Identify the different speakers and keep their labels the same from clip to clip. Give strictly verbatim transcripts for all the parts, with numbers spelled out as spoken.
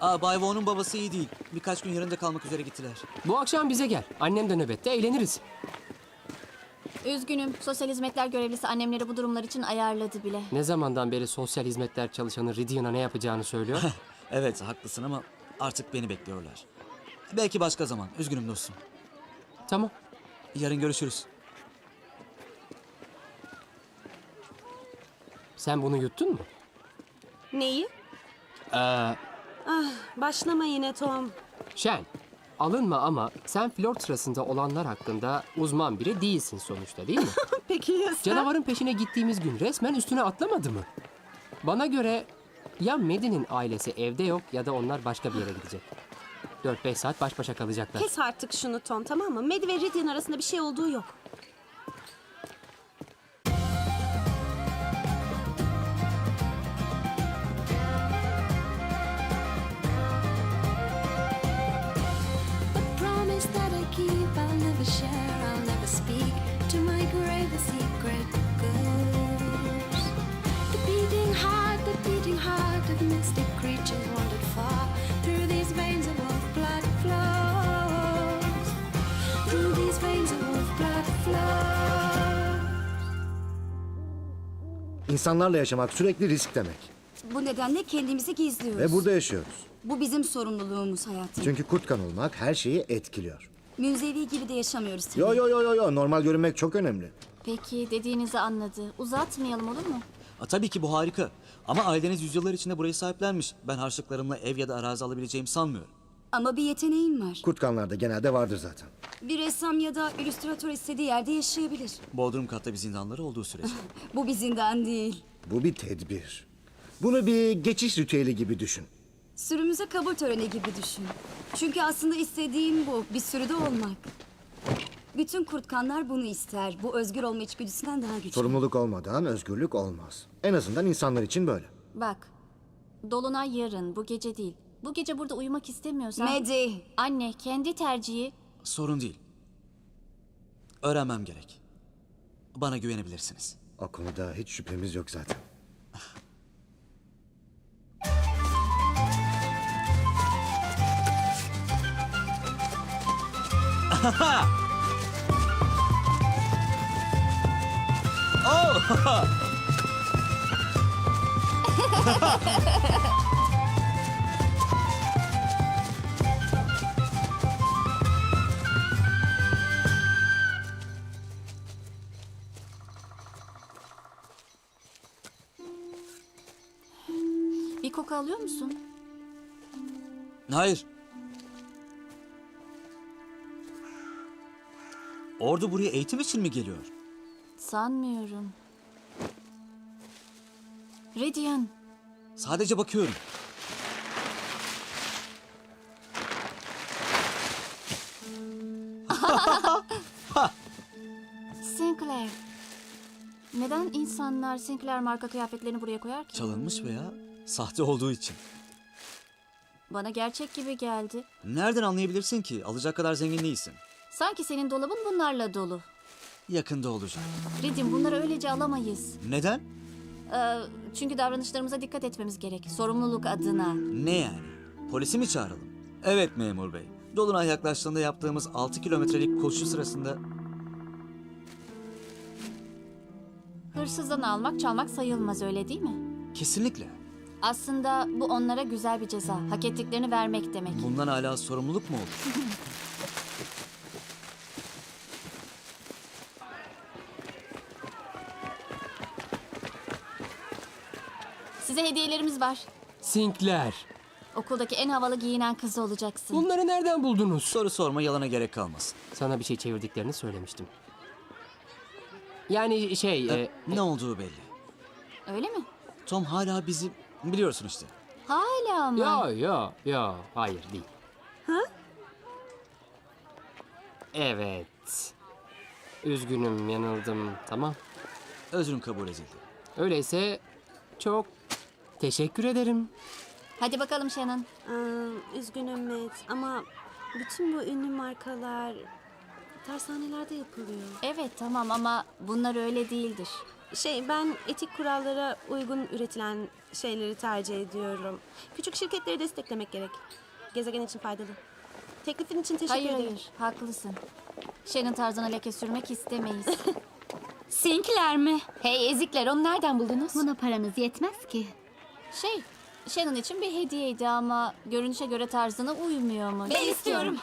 Speaker 1: Aa, Bay Vaughn'un babası iyi değil. Birkaç gün yanında kalmak üzere gittiler.
Speaker 2: Bu akşam bize gel. Annem de nöbette, eğleniriz.
Speaker 3: Üzgünüm. Sosyal hizmetler görevlisi annemleri bu durumlar için ayarladı bile.
Speaker 2: Ne zamandan beri sosyal hizmetler çalışanı Ridian'a ne yapacağını söylüyor?
Speaker 1: Evet, haklısın ama artık beni bekliyorlar. Belki başka zaman. Üzgünüm dostum.
Speaker 2: Tamam.
Speaker 1: Yarın görüşürüz.
Speaker 2: Sen bunu yuttun mu?
Speaker 4: Neyi?
Speaker 2: Ee,
Speaker 4: Ah, başlama yine Tom.
Speaker 2: Shen, alınma ama sen flört sırasında olanlar hakkında uzman biri değilsin sonuçta, değil mi?
Speaker 4: Peki ya sen?
Speaker 2: Canavarın peşine gittiğimiz gün resmen üstüne atlamadı mı? Bana göre ya Maddie'nin ailesi evde yok ya da onlar başka bir yere gidecek. dört beş saat baş başa kalacaklar.
Speaker 4: Kes artık şunu Tom, tamam mı? Maddie ve Ridian arasında bir şey olduğu yok.
Speaker 5: Promise that I keep, I'll never share, I'll never speak. To my grave the secret goes. The beating heart, the beating heart of mystic creatures wandered far. Through these veins of wolf blood flows. Through these veins of wolf blood flows.
Speaker 6: İnsanlarla yaşamak sürekli risk demek.
Speaker 7: Bu nedenle kendimizi gizliyoruz.
Speaker 6: Ve burada yaşıyoruz.
Speaker 7: Bu bizim sorumluluğumuz hayatım.
Speaker 6: Çünkü kurt olmak her şeyi etkiliyor.
Speaker 7: Münzevi gibi de yaşamıyoruz tabii.
Speaker 6: Yo yo yo yo yo normal görünmek çok önemli.
Speaker 3: Peki, dediğinizi anladı. Uzatmayalım, olur mu?
Speaker 1: Aa, tabii ki bu harika. Ama aileniz yüzyıllar içinde burayı sahiplenmiş. Ben harçlıklarımla ev ya da arazi alabileceğimi sanmıyorum.
Speaker 7: Ama bir yeteneğin var.
Speaker 6: Kurtkanlarda genelde vardır zaten.
Speaker 7: Bir ressam ya da illüstratör istediği yerde yaşayabilir.
Speaker 1: Bodrum katta bir zindanları olduğu sürece.
Speaker 7: Bu bir zindan değil.
Speaker 6: Bu bir tedbir. Bunu bir geçiş ritüeli gibi düşün.
Speaker 7: Sürümüze kabul töreni gibi düşün. Çünkü aslında istediğin bu. Bir sürüde olmak. Bütün kurtkanlar bunu ister. Bu özgür olma içgüdüsünden daha güçlü.
Speaker 6: Sorumluluk olmadan özgürlük olmaz. En azından insanlar için böyle.
Speaker 3: Bak, Dolunay yarın, bu gece değil. Bu gece burada uyumak istemiyorsan...
Speaker 7: Maddie.
Speaker 3: Anne, kendi tercihi...
Speaker 1: Sorun değil. Öğrenmem gerek. Bana güvenebilirsiniz.
Speaker 6: O konuda hiç şüphemiz yok zaten.
Speaker 3: Bir koku alıyor musun?
Speaker 1: Hayır. Ordu buraya eğitim için mi geliyor?
Speaker 3: Sanmıyorum. Ridian,
Speaker 1: Sadece bakıyorum.
Speaker 3: Sinclair. Neden insanlar Sinclair marka kıyafetlerini buraya koyar ki?
Speaker 1: Çalınmış veya sahte olduğu için.
Speaker 3: Bana gerçek gibi geldi.
Speaker 1: Nereden anlayabilirsin ki? Alacak kadar zengin değilsin.
Speaker 3: Sanki senin dolabın bunlarla dolu.
Speaker 1: Yakında olacak.
Speaker 3: Ridian, bunları öylece alamayız.
Speaker 1: Neden?
Speaker 3: Ee, çünkü davranışlarımıza dikkat etmemiz gerek. Sorumluluk adına.
Speaker 1: Ne yani? Polisi mi çağıralım? Evet memur bey. Dolunay yaklaştığında yaptığımız altı kilometrelik koşu sırasında...
Speaker 3: Hırsızdan almak, çalmak sayılmaz, öyle değil mi?
Speaker 1: Kesinlikle.
Speaker 3: Aslında bu onlara güzel bir ceza. Hak ettiklerini vermek demek.
Speaker 1: Bundan hala sorumluluk mu olur?
Speaker 3: Size hediyelerimiz var.
Speaker 2: Sinclair.
Speaker 3: Okuldaki en havalı giyinen kız olacaksın.
Speaker 2: Bunları nereden buldunuz?
Speaker 1: Soru sorma, yalana gerek kalmasın.
Speaker 2: Sana bir şey çevirdiklerini söylemiştim. Yani şey... e,
Speaker 1: Ne olduğu belli.
Speaker 3: Öyle mi?
Speaker 1: Tom hala bizi... Biliyorsun işte.
Speaker 3: Hala mı?
Speaker 2: Yo yo yo hayır değil. Ha? Evet. Üzgünüm, yanıldım, tamam.
Speaker 1: Özrüm kabul edildi.
Speaker 2: Öyleyse çok teşekkür ederim.
Speaker 3: Hadi bakalım Shannon.
Speaker 4: Aa, üzgünüm Matt ama bütün bu ünlü markalar tersanelerde yapılıyor.
Speaker 3: Evet tamam ama bunlar öyle değildir.
Speaker 4: Şey, ben etik kurallara uygun üretilen şeyleri tercih ediyorum. Küçük şirketleri desteklemek gerek. Gezegen için faydalı. Teklifin için teşekkür
Speaker 3: Hayır
Speaker 4: ederim.
Speaker 3: hayır, haklısın. Shannon tarzına leke sürmek istemeyiz.
Speaker 7: Sinclair mi?
Speaker 3: Hey ezikler, onu nereden buldunuz?
Speaker 8: Buna paramız yetmez ki.
Speaker 3: Şey, Shannon için bir hediyeydi ama görünüşe göre tarzına uymuyormuş.
Speaker 7: Ben istiyorum.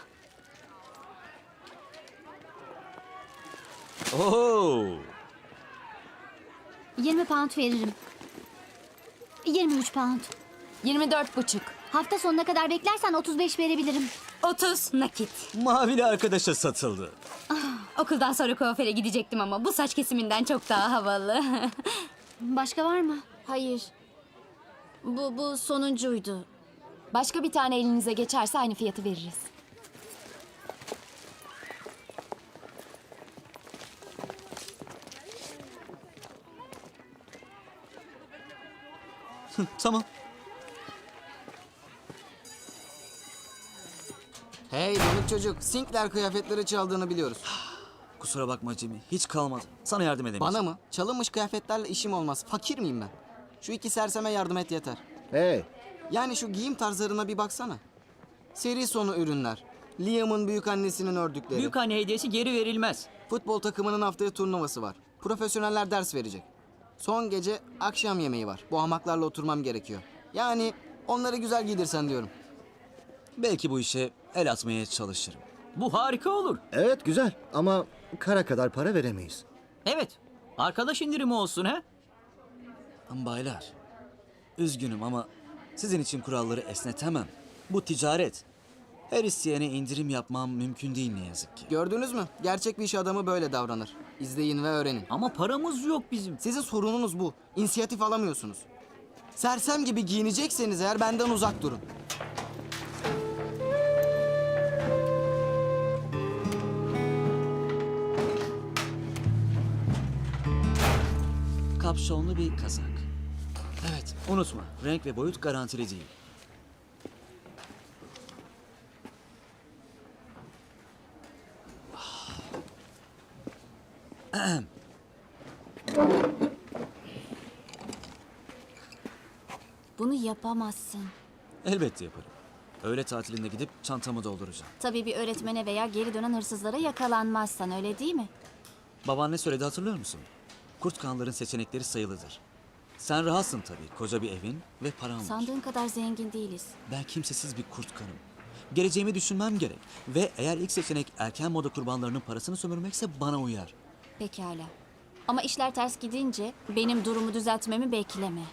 Speaker 1: Oho!
Speaker 8: yirmi pound veririm. yirmi üç pound.
Speaker 3: yirmi dört buçuk.
Speaker 8: Hafta sonuna kadar beklersen otuz beş verebilirim.
Speaker 7: otuz nakit.
Speaker 1: Mavili arkadaşa satıldı.
Speaker 7: Okuldan sonra kuaföre gidecektim ama bu saç kesiminden çok daha havalı.
Speaker 8: Başka var mı?
Speaker 3: Hayır. Bu, bu sonuncuydu. Başka bir tane elinize geçerse aynı fiyatı veririz.
Speaker 1: Tamam.
Speaker 9: Hey donuk çocuk, Sinclair kıyafetleri çaldığını biliyoruz.
Speaker 1: Kusura bakma Jimmy. Hiç kalmadı. Sana yardım edemeyeceğim.
Speaker 9: Bana mı? Çalınmış kıyafetlerle işim olmaz. Fakir miyim ben? Şu iki serseme yardım et yeter.
Speaker 6: Hey,
Speaker 9: Yani şu giyim tarzlarına bir baksana. Seri sonu ürünler. Liam'ın büyük annesinin ördükleri.
Speaker 10: Büyük anne hediyesi geri verilmez.
Speaker 9: Futbol takımının haftaya turnuvası var. Profesyoneller ders verecek. Son gece akşam yemeği var. Bu hamaklarla oturmam gerekiyor. Yani onları güzel giydirsen diyorum.
Speaker 1: Belki bu işe el atmaya çalışırım.
Speaker 10: Bu harika olur.
Speaker 6: evet güzel ama kara kadar para veremeyiz.
Speaker 10: Evet. Arkadaş indirimi olsun ha?
Speaker 1: Ama baylar, üzgünüm ama sizin için kuralları esnetemem. Bu ticaret. Her isteyene indirim yapmam mümkün değil ne yazık ki.
Speaker 9: Gördünüz mü? Gerçek bir iş adamı böyle davranır. İzleyin ve öğrenin.
Speaker 10: Ama paramız yok bizim.
Speaker 9: Sizin sorununuz bu. İnisiyatif alamıyorsunuz. Sersem gibi giyinecekseniz eğer benden uzak durun.
Speaker 1: Kapşonlu bir kazak. Evet, unutma. Renk ve boyut garantili değil. Ahem.
Speaker 3: Bunu yapamazsın.
Speaker 1: Elbette yaparım. Öğle tatilinde gidip çantamı dolduracağım.
Speaker 3: Tabii bir öğretmene veya geri dönen hırsızlara yakalanmazsan, öyle değil mi?
Speaker 1: Baban ne söyledi hatırlıyor musun? Kurt kanların seçenekleri sayılıdır. Sen rahatsın tabii. Koca bir evin ve paran var.
Speaker 3: Sandığın kadar zengin değiliz.
Speaker 1: Ben kimsesiz bir kurt kanım. Geleceğimi düşünmem gerek. Ve eğer ilk seçenek erken moda kurbanlarının parasını sömürmekse bana uyar.
Speaker 3: Pekala. Ama işler ters gidince benim durumu düzeltmemi bekleme.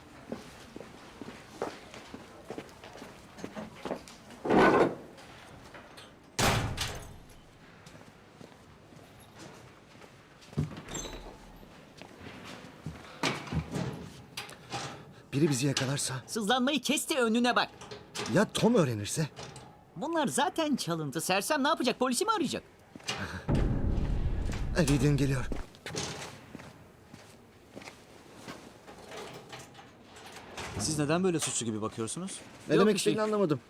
Speaker 6: Biri bizi yakalarsa,
Speaker 10: Sızlanmayı kes de önüne bak.
Speaker 6: ya Tom öğrenirse?
Speaker 10: Bunlar zaten çalıntı. Sersem ne yapacak? Polisi mi arayacak?
Speaker 6: Reed'in geliyor.
Speaker 1: Siz neden böyle suçlu gibi bakıyorsunuz?
Speaker 6: Ne
Speaker 10: Yok
Speaker 6: demek
Speaker 10: bir şey.
Speaker 6: istediğini anlamadım.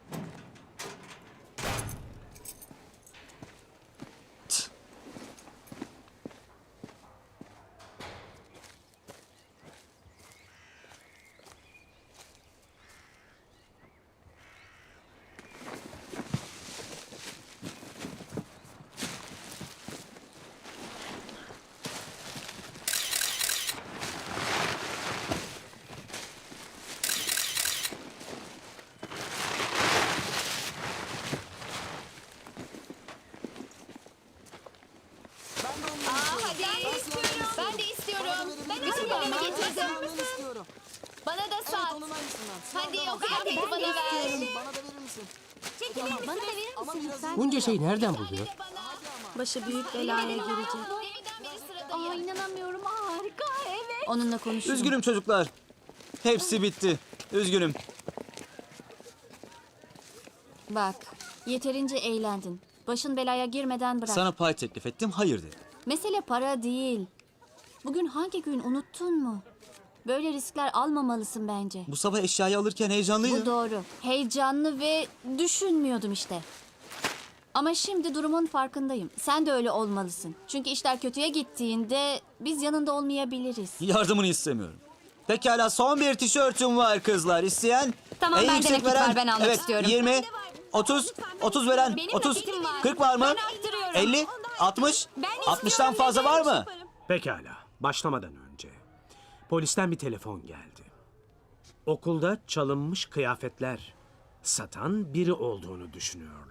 Speaker 3: Ben de istiyorum. Ben
Speaker 9: Bütün
Speaker 3: öğretmenimi getirdim.
Speaker 9: istiyorum.
Speaker 3: Bana da
Speaker 9: Evet
Speaker 3: sat.
Speaker 9: onun aynısından.
Speaker 3: Hadi
Speaker 9: Sıra
Speaker 3: o kıyafeti bana ver.
Speaker 9: Bana da verir misin?
Speaker 8: Bana da verir
Speaker 9: Ama
Speaker 8: misin
Speaker 9: biraz
Speaker 8: lütfen?
Speaker 2: Bunca şeyi nereden buluyor?
Speaker 4: Başı büyük belaya girecek.
Speaker 3: Deminden beri sıradayım.
Speaker 8: Aa inanamıyorum, harika, evet.
Speaker 3: Onunla konuşurum.
Speaker 1: Üzgünüm çocuklar. Hepsi bitti. Üzgünüm.
Speaker 3: Bak, yeterince eğlendin. Başın belaya girmeden bırak.
Speaker 1: Sana pay teklif ettim, hayır dedin.
Speaker 3: Mesele para değil. Bugün hangi gün unuttun mu? Böyle riskler almamalısın bence.
Speaker 1: Bu sabah eşyayı alırken heyecanlıydım.
Speaker 3: Bu doğru. Heyecanlı ve düşünmüyordum işte. Ama şimdi durumun farkındayım. Sen de öyle olmalısın. Çünkü işler kötüye gittiğinde biz yanında olmayabiliriz.
Speaker 1: Yardımını istemiyorum. Pekala, son bir tişörtüm var kızlar. İsteyen?
Speaker 7: Tamam,
Speaker 1: En
Speaker 7: bende
Speaker 1: yüksek
Speaker 7: nakit var, ben almak
Speaker 1: evet,
Speaker 7: istiyorum.
Speaker 1: yirmi, otuz, otuz veren,
Speaker 3: Benim
Speaker 1: otuz,
Speaker 3: nakitim var.
Speaker 1: kırk var mı?
Speaker 3: Ben arttırıyorum.
Speaker 1: elli, altmış,
Speaker 3: Ben
Speaker 1: altmıştan
Speaker 3: istiyorum,
Speaker 1: fazla
Speaker 3: ben
Speaker 1: var mı?
Speaker 3: yaparım.
Speaker 11: Pekala, başlamadan önce polisten bir telefon geldi. Okulda çalınmış kıyafetler satan biri olduğunu düşünüyorlar.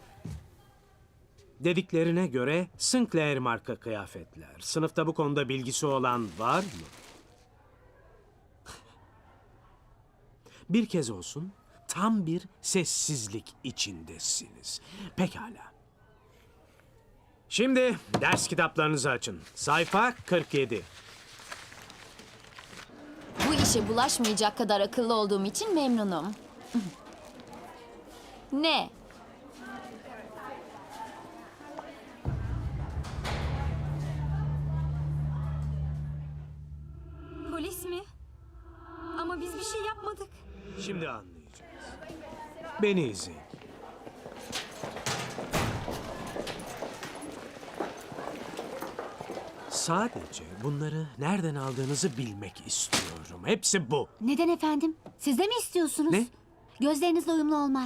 Speaker 11: Dediklerine göre Sinclair marka kıyafetler. Sınıfta bu konuda bilgisi olan var mı? Bir kez olsun tam bir sessizlik içindesiniz. Pekala. Şimdi ders kitaplarınızı açın. Sayfa kırk yedi.
Speaker 3: Bu işe bulaşmayacak kadar akıllı olduğum için memnunum. Ne?
Speaker 7: Polis mi? Ama biz bir şey yapmadık.
Speaker 11: Şimdi anlayacağız. Beni izleyin. Sadece bunları nereden aldığınızı bilmek istiyorum. Hepsi bu.
Speaker 8: Neden efendim? Siz de mi istiyorsunuz?
Speaker 11: Ne?
Speaker 8: Gözlerinizle uyumlu olmaz.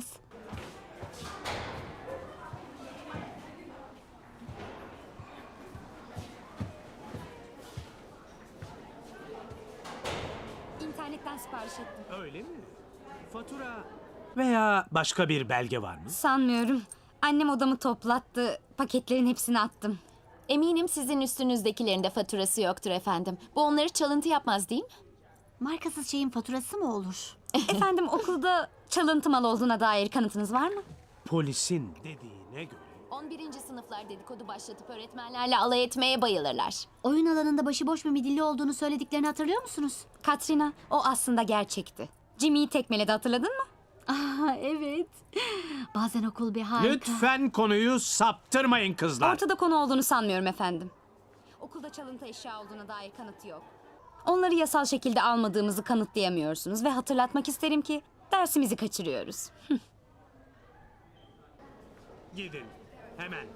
Speaker 7: İnternetten sipariş ettim.
Speaker 11: Öyle mi? Fatura veya başka bir belge var mı?
Speaker 7: Sanmıyorum. Annem odamı toplattı. Paketlerin hepsini attım.
Speaker 3: Eminim sizin üstünüzdekilerin de faturası yoktur efendim. Bu onları çalıntı yapmaz değil mi?
Speaker 8: Markasız şeyin faturası mı olur?
Speaker 7: Efendim, okulda çalıntı mal olduğuna dair kanıtınız var mı?
Speaker 11: Polisin dediğine göre
Speaker 3: on birinci sınıflar dedikodu başlatıp öğretmenlerle alay etmeye bayılırlar.
Speaker 8: Oyun alanında başıboş bir midilli olduğunu söylediklerini hatırlıyor musunuz?
Speaker 7: Katrina, o aslında gerçekti. Jimmy'yi tekmeledi, hatırladın mı?
Speaker 8: Aa, evet. Bazen okul bir harika.
Speaker 11: lütfen konuyu saptırmayın kızlar.
Speaker 7: Ortada konu olduğunu sanmıyorum efendim. Okulda çalıntı eşya olduğuna dair kanıtı yok. Onları yasal şekilde almadığımızı kanıtlayamıyorsunuz ve hatırlatmak isterim ki dersimizi kaçırıyoruz.
Speaker 11: Gidin. Hemen.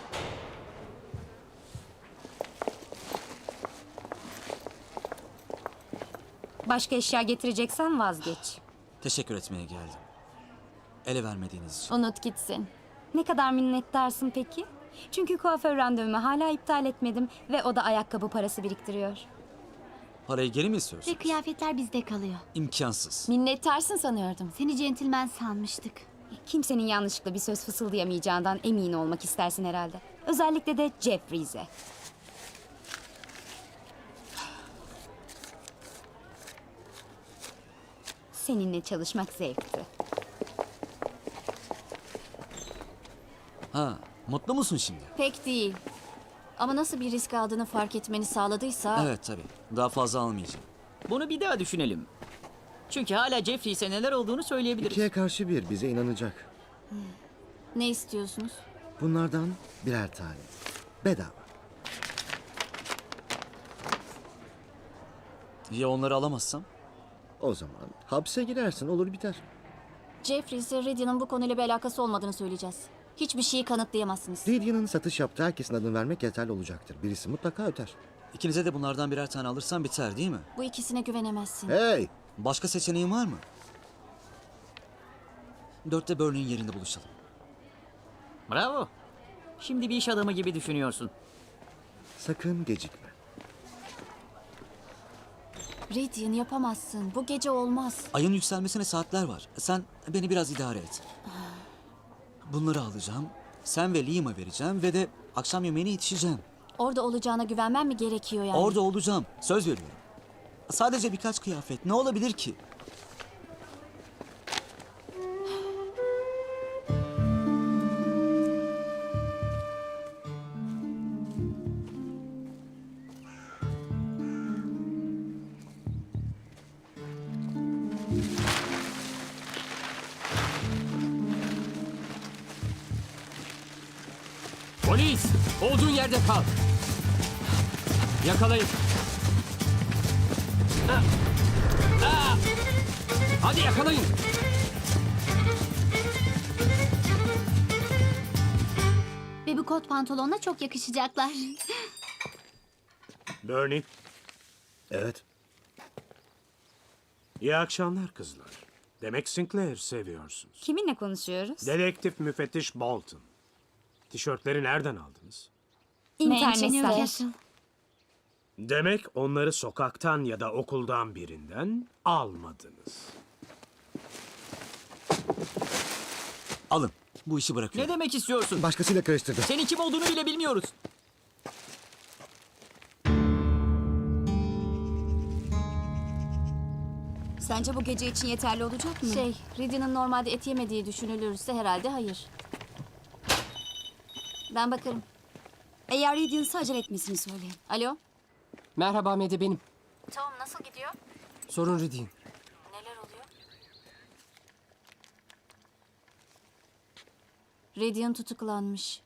Speaker 7: Başka eşya getireceksen vazgeç.
Speaker 1: Teşekkür etmeye geldim. Ele vermediğiniz için.
Speaker 3: Unut gitsin.
Speaker 7: Ne kadar minnettarsın peki? Çünkü kuaför randevumu hala iptal etmedim ve o da ayakkabı parası biriktiriyor.
Speaker 1: Parayı geri mi istiyorsun?
Speaker 8: Ve kıyafetler bizde kalıyor.
Speaker 1: İmkansız.
Speaker 3: Minnettarsın sanıyordum.
Speaker 8: Seni centilmen sanmıştık.
Speaker 7: Kimsenin yanlışlıkla bir söz fısıldayamayacağından emin olmak istersin herhalde. Özellikle de Jeffries'e. Seninle çalışmak zevkti.
Speaker 1: Ha, mutlu musun şimdi?
Speaker 3: Pek değil. Ama nasıl bir risk aldığını fark etmeni sağladıysa...
Speaker 1: Evet tabii. Daha fazla almayacağım.
Speaker 10: Bunu bir daha düşünelim. Çünkü hala Jeffries'e neler olduğunu söyleyebiliriz.
Speaker 6: İkiye karşı bir bize inanacak.
Speaker 3: Ne istiyorsunuz?
Speaker 6: Bunlardan birer tane. Bedava.
Speaker 1: Ya onları alamazsam?
Speaker 6: O zaman hapse girersin, olur biter.
Speaker 3: Jeffries'e Rydia'nın bu konuyla bir alakası olmadığını söyleyeceğiz. Hiçbir şeyi kanıtlayamazsınız.
Speaker 6: Lydia'nın satış yaptığı herkesin adını vermek yeterli olacaktır. Birisi mutlaka öter.
Speaker 1: İkinize de bunlardan birer tane alırsan biter değil mi?
Speaker 3: Bu ikisine güvenemezsin.
Speaker 6: Hey!
Speaker 1: Başka seçeneğin var mı? Dörtte Burney'in yerinde buluşalım.
Speaker 10: Bravo. Şimdi bir iş adamı gibi düşünüyorsun.
Speaker 6: Sakın gecikme.
Speaker 3: Rydian, yapamazsın. Bu gece olmaz.
Speaker 1: Ayın yükselmesine saatler var. Sen beni biraz idare et. Bunları alacağım. Sen ve Liam'a vereceğim ve de akşam yemeğine yetişeceğim.
Speaker 3: Orada olacağına güvenmem mi gerekiyor yani?
Speaker 1: Orada olacağım. Söz veriyorum. Sadece birkaç kıyafet. Ne olabilir ki?
Speaker 2: Polis! Olduğun yerde kal. Yakalayın. Ah! Ah! Hadi yakalayın.
Speaker 8: bu kot pantolonla çok yakışacaklar.
Speaker 11: Bernie,
Speaker 6: Evet.
Speaker 11: iyi akşamlar kızlar. Demek Sinclair seviyorsunuz.
Speaker 7: Kiminle konuşuyoruz?
Speaker 11: Dedektif müfettiş Bolton. Tişörtleri nereden aldınız?
Speaker 7: İnternetten.
Speaker 8: Newcastle.
Speaker 11: Demek onları sokaktan ya da okuldan birinden almadınız.
Speaker 1: Alın. Bu işi
Speaker 10: Ne
Speaker 1: bırakıyorum.
Speaker 10: demek istiyorsun?
Speaker 6: Başkasıyla karıştırdı.
Speaker 10: Senin kim olduğunu bile bilmiyoruz.
Speaker 7: Sence bu gece için yeterli olacak mı?
Speaker 3: Şey, Riddy'nin normalde et yemediği düşünülürse herhalde hayır. Ben bakarım.
Speaker 7: Eğer Radiance'ı acele etmesini söyleyin.
Speaker 3: Alo?
Speaker 2: Merhaba Medi benim.
Speaker 3: Tom nasıl gidiyor?
Speaker 2: Sorun Ridin.
Speaker 3: Neler oluyor? Radiant tutuklanmış.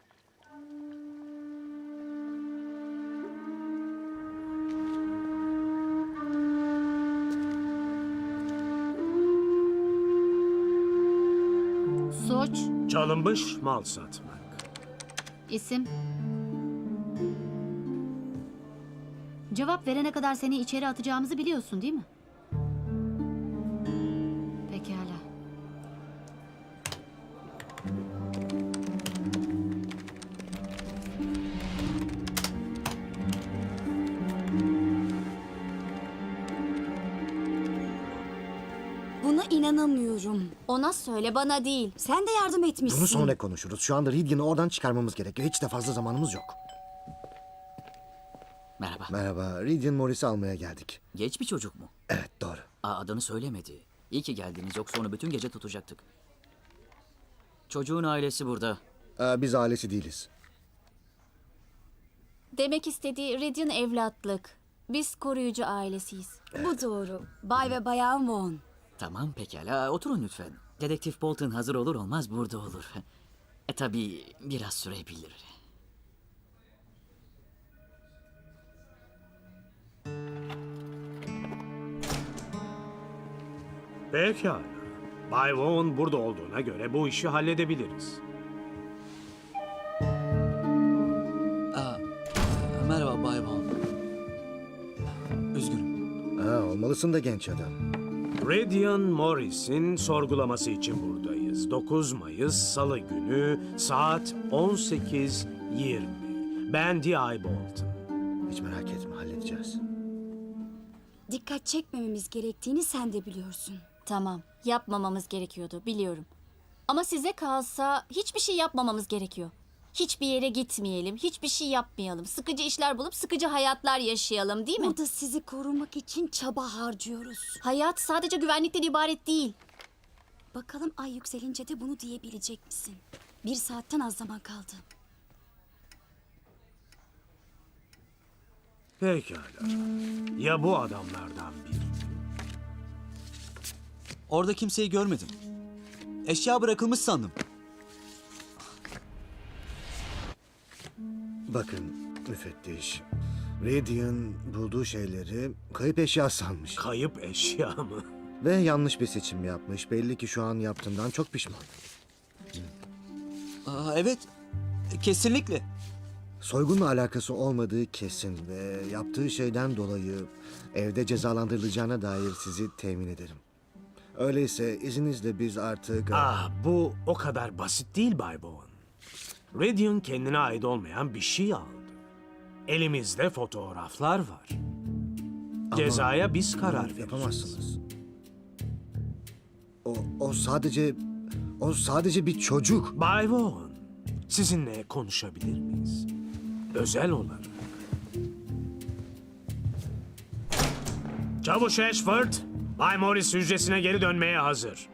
Speaker 8: Suç,
Speaker 11: Çalınmış mal satmak.
Speaker 8: isim. Cevap verene kadar seni içeri atacağımızı biliyorsun değil mi? Pekala.
Speaker 7: Buna inanamıyorum.
Speaker 3: Ona söyle, bana değil.
Speaker 7: Sen de yardım etmişsin.
Speaker 6: Bunu sonra konuşuruz. Şu anda Ridgen'i oradan çıkarmamız gerekiyor. Hiç de fazla zamanımız yok.
Speaker 10: Merhaba.
Speaker 6: Merhaba. Ridgen Morris'i almaya geldik.
Speaker 10: Geç bir çocuk mu?
Speaker 6: Evet, doğru.
Speaker 10: Aa, adını söylemedi. İyi ki geldiniz, yoksa onu bütün gece tutacaktık. Çocuğun ailesi burada.
Speaker 6: Ee, biz ailesi değiliz.
Speaker 3: Demek istediği Radiant evlatlık. Biz koruyucu ailesiyiz.
Speaker 7: Bu doğru. Bay ve Bayan Vaughn.
Speaker 10: Tamam pekala, oturun lütfen. Dedektif Bolton hazır olur olmaz burada olur. E tabii biraz sürebilir.
Speaker 11: Pekala. Bay Vaughn burada olduğuna göre bu işi halledebiliriz.
Speaker 1: Aa, merhaba Bay Bond. Üzgünüm.
Speaker 6: Ha, olmalısın da genç adam.
Speaker 11: Radian Morris'in sorgulaması için buradayız. dokuz Mayıs Salı günü saat on sekiz yirmi. Ben D I Bolton.
Speaker 6: Hiç merak etme, halledeceğiz.
Speaker 7: Dikkat çekmememiz gerektiğini sen de biliyorsun.
Speaker 3: Tamam, yapmamamız gerekiyordu, biliyorum. Ama size kalsa hiçbir şey yapmamamız gerekiyor. Hiçbir yere gitmeyelim, hiçbir şey yapmayalım. Sıkıcı işler bulup sıkıcı hayatlar yaşayalım, değil mi?
Speaker 7: Burada sizi korumak için çaba harcıyoruz.
Speaker 3: Hayat sadece güvenlikten ibaret değil.
Speaker 7: Bakalım ay yükselince de bunu diyebilecek misin? Bir saatten az zaman kaldı.
Speaker 11: Pekala. Ya bu adamlardan biri?
Speaker 1: Orada kimseyi görmedim. Eşya bırakılmış sandım.
Speaker 6: Bakın müfettiş. Radian bulduğu şeyleri kayıp eşya sanmış.
Speaker 11: Kayıp eşya mı?
Speaker 6: Ve yanlış bir seçim yapmış. Belli ki şu an yaptığından çok pişman.
Speaker 1: Aa, evet, kesinlikle.
Speaker 6: Soygunla alakası olmadığı kesin ve yaptığı şeyden dolayı evde cezalandırılacağına dair sizi temin ederim. Öyleyse izninizle biz artık...
Speaker 11: Ah, bu o kadar basit değil Bay Bowen. Radian kendine ait olmayan bir şey aldı. Elimizde fotoğraflar var. Cezaya biz karar vereceğiz.
Speaker 6: Yapamazsınız. O, o sadece... O sadece bir çocuk.
Speaker 11: Bay Bowen, sizinle konuşabilir miyiz? Özel olarak. Çavuş Ashford, Bay Morris hücresine geri dönmeye hazır.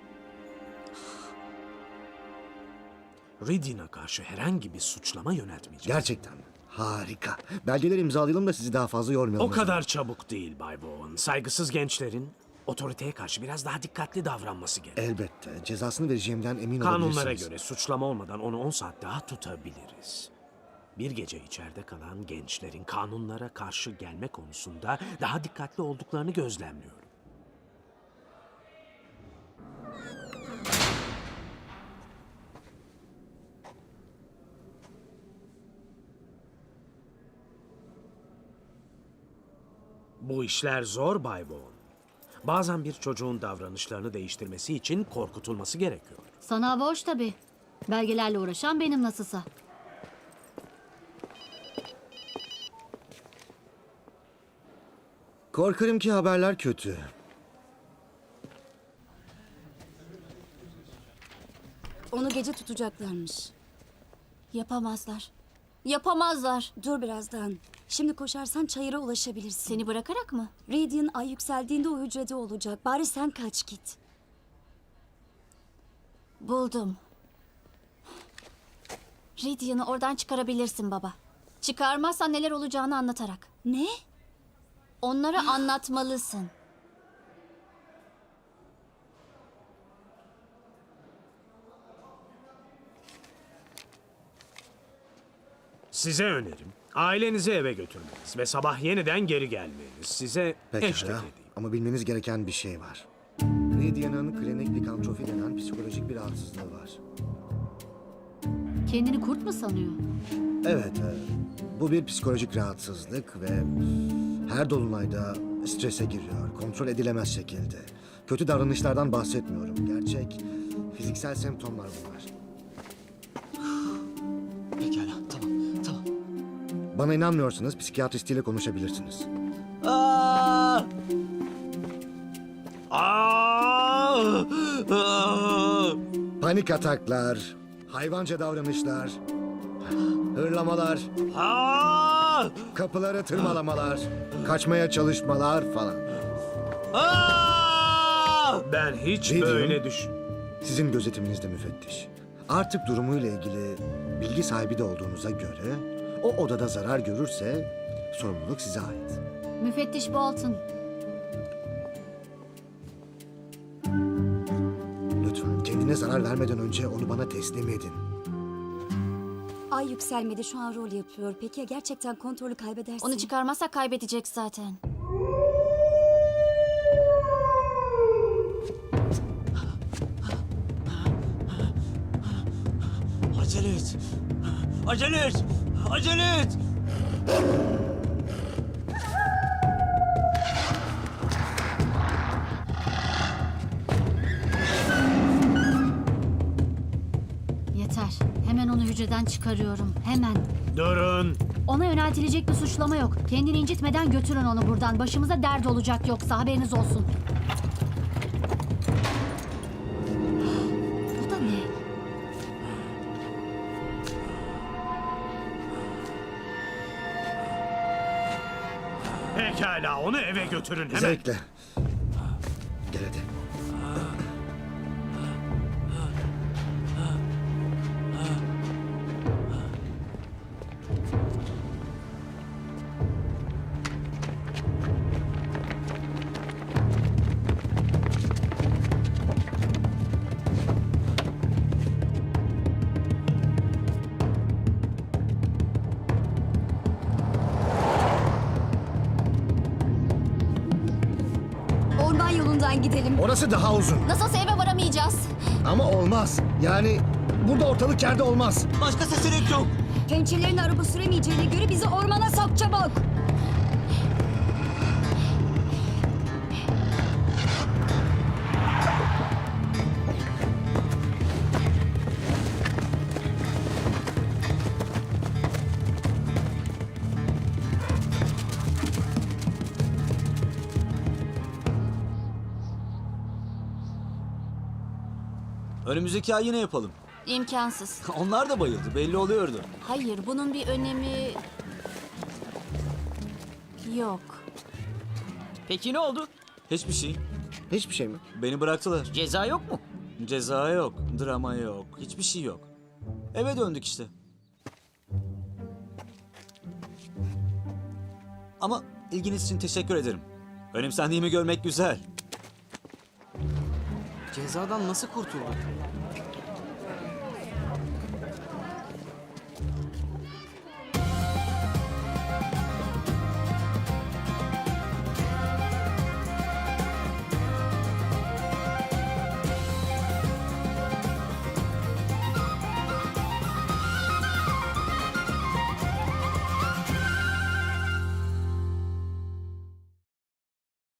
Speaker 11: Riddian'a karşı herhangi bir suçlama yöneltmeyeceğiz.
Speaker 6: Gerçekten harika. Belgeleri imzalayalım da sizi daha fazla yormayalım.
Speaker 11: O kadar çabuk değil Bay Bowen. Saygısız gençlerin otoriteye karşı biraz daha dikkatli davranması gerek.
Speaker 6: Elbette. Cezasını vereceğimden emin
Speaker 11: Kanunlara
Speaker 6: olabilirsiniz.
Speaker 11: göre suçlama olmadan onu on saat daha tutabiliriz. Bir gece içeride kalan gençlerin kanunlara karşı gelme konusunda daha dikkatli olduklarını gözlemliyorum. Bu işler zor Bay Bowen. Bazen bir çocuğun davranışlarını değiştirmesi için korkutulması gerekiyor.
Speaker 8: Sana hava hoş tabii. Belgelerle uğraşan benim nasılsa.
Speaker 6: Korkarım ki haberler kötü.
Speaker 7: Onu gece tutacaklarmış.
Speaker 3: Yapamazlar. Yapamazlar.
Speaker 7: Dur birazdan. Şimdi koşarsan çayıra ulaşabilirsin.
Speaker 3: Seni bırakarak mı?
Speaker 7: Radiant ay yükseldiğinde o hücrede olacak. Bari sen kaç git.
Speaker 3: Buldum. Ridian'ı oradan çıkarabilirsin baba. Çıkarmazsan neler olacağını anlatarak.
Speaker 7: Ne?
Speaker 3: Onlara anlatmalısın.
Speaker 11: Size önerim ailenizi eve götürmeniz ve sabah yeniden geri gelmeniz. Size eşlik
Speaker 6: Pekala.
Speaker 11: edeyim.
Speaker 6: Ama bilmeniz gereken bir şey var. Radian'ın klinik likantrofi denen psikolojik bir rahatsızlığı var.
Speaker 8: Kendini kurt mu sanıyor?
Speaker 6: Evet, e, bu bir psikolojik rahatsızlık ve her dolunayda strese giriyor, kontrol edilemez şekilde. Kötü davranışlardan bahsetmiyorum, gerçek fiziksel semptomlar bunlar.
Speaker 1: Pekala, tamam, tamam.
Speaker 6: Bana inanmıyorsanız psikiyatristiyle konuşabilirsiniz.
Speaker 1: Aa! Aa! Aa!
Speaker 6: Panik ataklar, hayvanca davranışlar, hırlamalar,
Speaker 1: Aa!
Speaker 6: kapıları tırmalamalar, kaçmaya çalışmalar falan.
Speaker 1: Aa!
Speaker 11: Ben hiç
Speaker 6: Ne
Speaker 11: böyle
Speaker 6: diyorum?
Speaker 11: düş...
Speaker 6: Sizin gözetiminizde müfettiş. Artık durumuyla ilgili bilgi sahibi de olduğunuza göre o odada zarar görürse sorumluluk size ait.
Speaker 8: Müfettiş Bolton.
Speaker 6: Lütfen kendine zarar vermeden önce onu bana teslim edin.
Speaker 7: Ay yükselmedi, şu an rol yapıyor. Peki ya gerçekten kontrolü kaybedersin?
Speaker 3: Onu çıkarmazsak kaybedecek zaten.
Speaker 1: Acele et. Acele et. Acele et.
Speaker 8: Yeter. Hemen onu hücreden çıkarıyorum. Hemen.
Speaker 11: Durun.
Speaker 8: Ona yöneltilecek bir suçlama yok. Kendini incitmeden götürün onu buradan. Başımıza dert olacak yoksa haberiniz olsun. Bu da ne?
Speaker 11: Pekala onu eve götürün hemen.
Speaker 6: Zevkle. Gel hadi.
Speaker 7: Orman yolundan gidelim.
Speaker 6: Orası daha uzun.
Speaker 3: Nasılsa eve varamayacağız.
Speaker 6: Ama olmaz. Yani burada ortalık yerde olmaz.
Speaker 1: Başka seçenek yok.
Speaker 7: Pençelerin araba süremeyeceğine göre bizi ormana sok çabuk.
Speaker 1: Önümüzdeki ay yine yapalım.
Speaker 3: İmkansız.
Speaker 1: Onlar da bayıldı, belli oluyordu.
Speaker 3: Hayır, bunun bir önemi yok.
Speaker 10: Peki ne oldu?
Speaker 1: Hiçbir şey.
Speaker 6: Hiçbir şey mi?
Speaker 1: Beni bıraktılar.
Speaker 10: Ceza yok mu?
Speaker 1: Ceza yok, drama yok, hiçbir şey yok. Eve döndük işte. Ama ilginiz için teşekkür ederim. Önemsendiğimi görmek güzel.
Speaker 9: Cezadan nasıl kurtulduk?